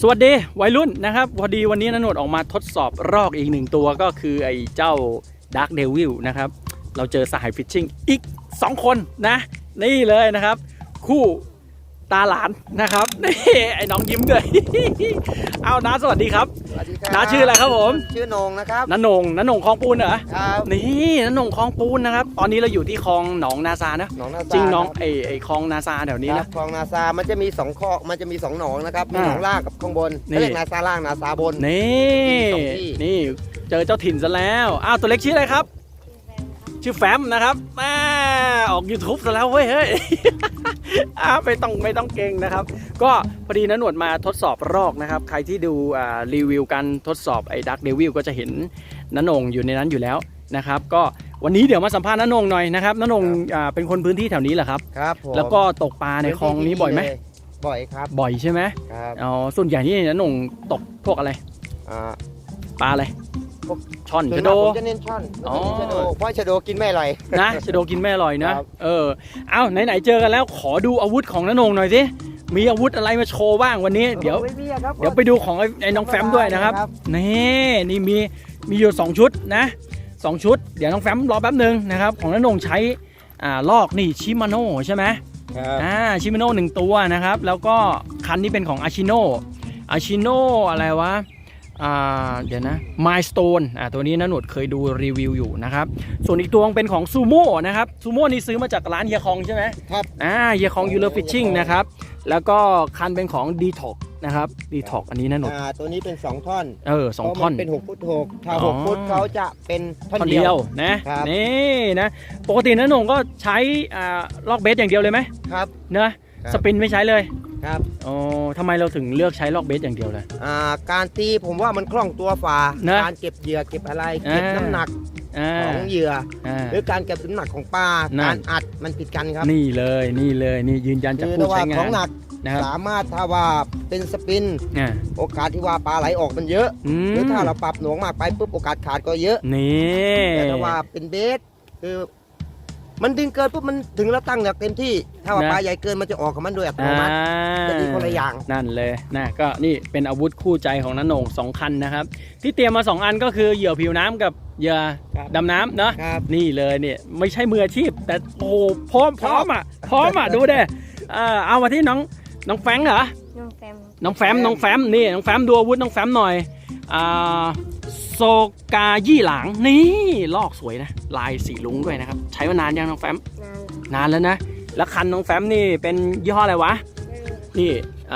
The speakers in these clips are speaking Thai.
สวัสดีวัยรุ่นนะครับพอดีวันนี้ณโหนดออกมาทดสอบรอกอีกหนึ่งตัวก็คือไอ้เจ้า Dark Devil นะครับเราเจอสหายฟิชชิ่งอีก2คนนะนี่เลยนะครับคู่ตาหลานนะครับนี่ไอ้น้องยิ้มด้วย เอาน้าสวัสดีครับสวัสดีครับน้าชื่ออะไรครับผมชื่อนงนะครับน้านงคลองปูนเหรอครับนี่น้านงคลองปูนนะครับตอนนี้เราอยู่ที่คลองหนองนาซานะหนองนาซาจริงน้องไอ้คลองนาซาแถวนี้นะคลองนาซามันจะมี2คลองมันจะมี2หนองนะครับมีหนองล่างกับข้างบนเรียกนาซาล่างนาซาบนนี่เจอเจ้าถิ่นซะแล้วอ้าวตัวเล็กชื่ออะไรครับชื่อแฟมนะครับออก YouTube ซะแล้วเว้ยเฮ้ย ไม่ต้องเก่งนะครับก็พอดีนะหนวดมาทดสอบรอกนะครับใครที่ดูรีวิวการทดสอบไอ้ Dark Devil ก็จะเห็นณนงอยู่ในนั้นอยู่แล้วนะครับก็วันนี้เดี๋ยวมาสัมภาษณ์ณนงหน่อยนะครับณนงเป็นคนพื้นที่แถวนี้เหรอครับครับผมแล้วก็ตกปลาในคลองนี้บ่อยไหมบ่อยครับบ่อยใช่ไหมครับอ๋อส่วนใหญ่นี่ณนงตกพวกอะไรปลาอะไรช่อนชะโดผมจะเน้นช่อนชะโดเพราะชะโดกินไม่อร่อยนะชะโดกินไม่อร่อยนะเอาไหนเจอกันแล้วขอดูอาวุธของณนงหน่อยสิมีอาวุธอะไรมาโชว์บ้างวันนี้เดี๋ยวไปดูของไอ้น้องแฟมด้วยนะครับนี่มีอยู่2ชุดนะ2ชุดเดี๋ยวน้องแฟมรอแป๊บนึงนะครับของณนงใช้ลอกนี่ชิมาโน่ใช่ไหมชิมาโน่1ตัวนะครับแล้วก็คันนี้เป็นของอาชิโน่อะไรวะเดี๋ยวนะมายสโตนตัวนี้นะหนวดเคยดูรีวิวอยู่นะครับส่วนอีกตัวเป็นของซูโม่นะครับซูโม่นี่ซื้อมาจากร้านเฮียคองใช่ไหมครับเฮียคองยูเลอร์ฟิชชิ่งนะครับแล้วก็คันเป็นของดีท็อกนะครับดีท็อกอันนี้นะหนวดตัวนี้เป็น2ท่อน 2ท่อนเป็น6 ฟุต 6ถ้า6 ฟุตเขาจะเป็นท่อนเดียวนะนี่นะปกตินะหนงก็ใช้ลอกเบสอย่างเดียวเลยไหมครับเนอะสปินไม่ใช้เลยครับทำไมเราถึงเลือกใช้ลอกเบสอย่างเดียวเลยการตีผมว่ามันคล่องตัวฝ่าการเก็บเหยื่อเก็บอะไรเก็บน้ำหนักของเหยื่อหรือการเก็บน้ำหนักของปลาการอัดมันผิดกันครับนี่เลยนี่ยืนยันจากผู้ใช้งานของหนักสามารถถ้าว่าเป็นสปินโอกาสที่ว่าปลาไหลออกมันเยอะหรือถ้าเราปรับหน่วงมากไปปุ๊บโอกาสขาดก็เยอะแต่ถ้าว่าเป็นเบสคือมันดึงเกินปุ๊บมันถึงแล้วตั้งแบบเต็มที่ถ้าว่าปลาใหญ่เกินมันจะออกของมันโดยอัตโนมัติจะดีคนละอย่างนั่นเลยนะก็นี่เป็นอาวุธคู่ใจของณนง2คันนะครับที่เตรียมมา2อันก็คือเหยื่อผิวน้ำกับเหยื่อดำน้ำเนาะนี่เลยเนี่ยไม่ใช่มืออาชีพแต่โอ้พร้อมอ่ะดูเด้เอามาที่น้องแฟงเหรอน้องแฟมนี่น้องแฟมดูอาวุธน้องแฟมหน่อยโซกายี่หลังนี่ลอกสวยนะลายสีลุ้งด้วยนะครับใช้มานานยังน้องแฟมนานแล้วนะแล้วคันน้องแฟมนี่เป็นยี่ห้ออะไรวะนี่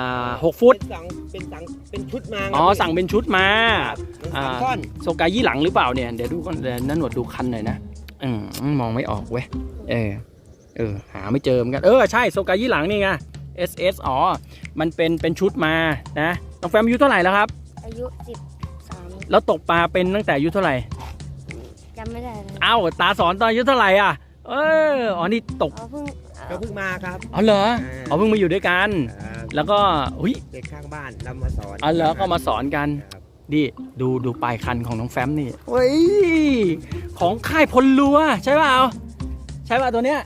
6 ฟุตเป็นชุดมาสั่งเป็นชุดมาโซกายี่หลังหรือเปล่าเนี่ยเดี๋ยวดูก่อนนั่นหนวดดูคันหน่อยนะมองไม่ออกเว้ยหาไม่เจอเหมือนกันใช่โซกายี่หลังนี่ไง SS มันเป็นชุดมานะน้องแฟมอายุเท่าไหร่แล้วครับอายุ13 แล้วตกปลาเป็นตั้งแต่อายุเท่าไหร่จำไม่ได้ตาสอนตอนอายุเท่าไหร่อ่ะนี่ตกก็เพิ่งมาครับเหรอเพิ่งมาอยู่ด้วยกันแล้วก็เด็กข้างบ้านเรามาสอนเหรอก็มาสอนกันดิดูปลายคันของน้องแฟมนี่ของค่ายพลลัวใช่เปล่าตัวเนี้ย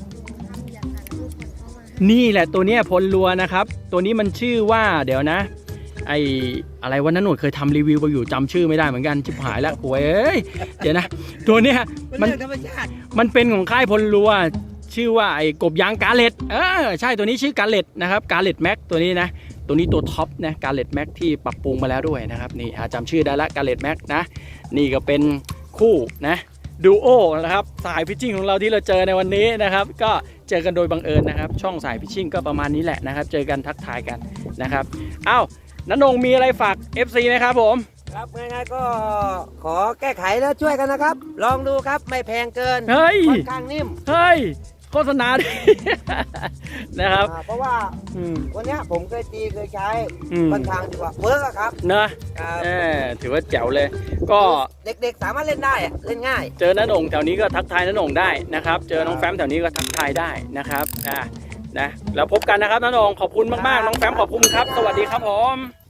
นี่แหละตัวเนี้ยพลลัวนะครับตัวนี้มันชื่อว่าเดี๋ยวนะอะไรวันนั้นหนูเคยทำรีวิวไปอยู่จำชื่อไม่ได้เหมือนกันชิบหายแล้วโว้ยเดี๋ยวนะตัวเนี้ยมันเป็นของค่ายพลลัวชื่อว่าไอ้กบยางกาเลตใช่ตัวนี้ชื่อกาเลตนะครับกาเลตแม็กตัวนี้นะตัวนี้ตัวท็อปนะกาเลตแม็กที่ปรับปรุงมาแล้วด้วยนะครับนี่จำชื่อได้ละกาเลตแม็กนะนี่ก็เป็นคู่นะดูโอนะครับสายฟิชชิ่งของเราที่เราเจอในวันนี้นะครับก็เจอกันโดยบังเอิญนะครับช่องสายฟิชชิ่งก็ประมาณนี้แหละนะครับเจอกันทักทายกันนะครับณนงมีอะไรฝาก FC ไหมครับผมครับง่ายๆก็ขอแก้ไขแล้วช่วยกันนะครับลองดูครับไม่แพงเกินค่อนข้างนิ่มโฆษณาดินะครับเพราะว่าวันนี้ผมเคยใช้ค่อนข้างดีกว่าเวิร์กครับนะถือว่าแจ๋วเลยก็เด็กๆสามารถเล่นได้เล่นง่ายเจอณนงแถวนี้ก็ทักทายณนงได้นะครับเจอน้องแฟมแถวนี้ก็ทักทายได้นะครับนะแล้วพบกันนะครับณนงขอบคุณมากๆน้องแฟมขอบคุณครับสวัสดีครับผม